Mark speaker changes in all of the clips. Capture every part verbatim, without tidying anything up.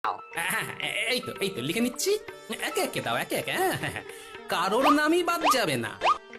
Speaker 1: হ্যাঁ, হ্যাঁ, এই তো এই তো লিখে নিচ্ছি। একে একে দাও, একে একে। হ্যাঁ, হ্যাঁ, হ্যাঁ। কারোর নামই বাদ যাবে না।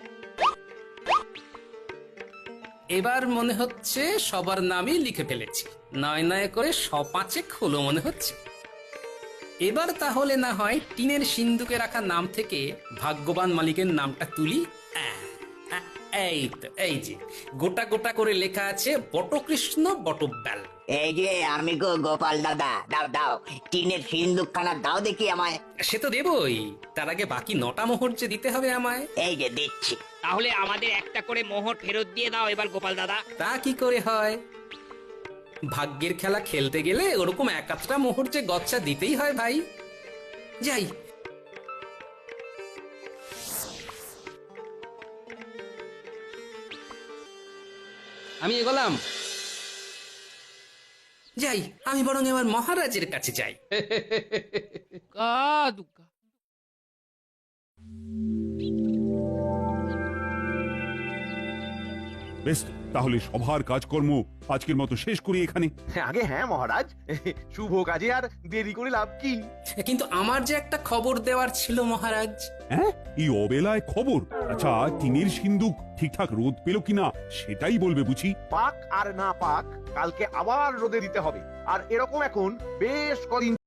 Speaker 1: এবার মনে হচ্ছে সবার নামই লিখে ফেলেছি। নয় নয় করে সপাঁচেক হলো মনে হচ্ছে। এবার তাহলে না হয় টিনের সিন্ধুকে রাখা নাম থেকে ভাগ্যবান মালিকের নামটা তুলি। আহ, আহ, এই তো, এই যে গোটা গোটা করে লেখা আছে বটকৃষ্ণ বটব্যাল।
Speaker 2: এই যে আমি গো গোপাল দাদা, দাও দাও টিনের সিন্দুকখানা দাও দেখি আমায়।
Speaker 1: সে তো দেবই, তার আগে বাকি নটা মোহর যে দিতে হবে আমায়।
Speaker 2: এই যে দিচ্ছি।
Speaker 3: তাহলে আমাদের একটা করে মোহর ফেরত দিয়ে দাও এবার গোপাল দাদা।
Speaker 1: তা কি করে হয়? ভাগ্যের খেলা খেলতে গেলে ওরকম এক আধটা মোহর যে গচ্ছা দিতেই হয় ভাই। যাই, আমি এগোলাম। যাই, আমি বরং এবার মহারাজের কাছে যাই।
Speaker 4: দুগ্গা দুগ্গা।
Speaker 5: বেশ, তাহলে সভার কাজকর্ম আজকের মতো শেষ করি এখানে।
Speaker 6: আগে হ্যাঁ মহারাজ, শুভ কাজে আর দেরি করে লাভ কি?
Speaker 1: কিন্তু আমার যে একটা খবর দেওয়ার ছিল মহারাজ।
Speaker 5: হ্যাঁ, এই অবেলায় খবর? আচ্ছা, টিনের সিন্ধুক ঠিকঠাক রোদ পেল কিনা সেটাই বলবে বুঝি।
Speaker 6: পাক আর না পাক, কালকে আবার রোদে দিতে হবে। আর এরকম এখন বেশ কদিন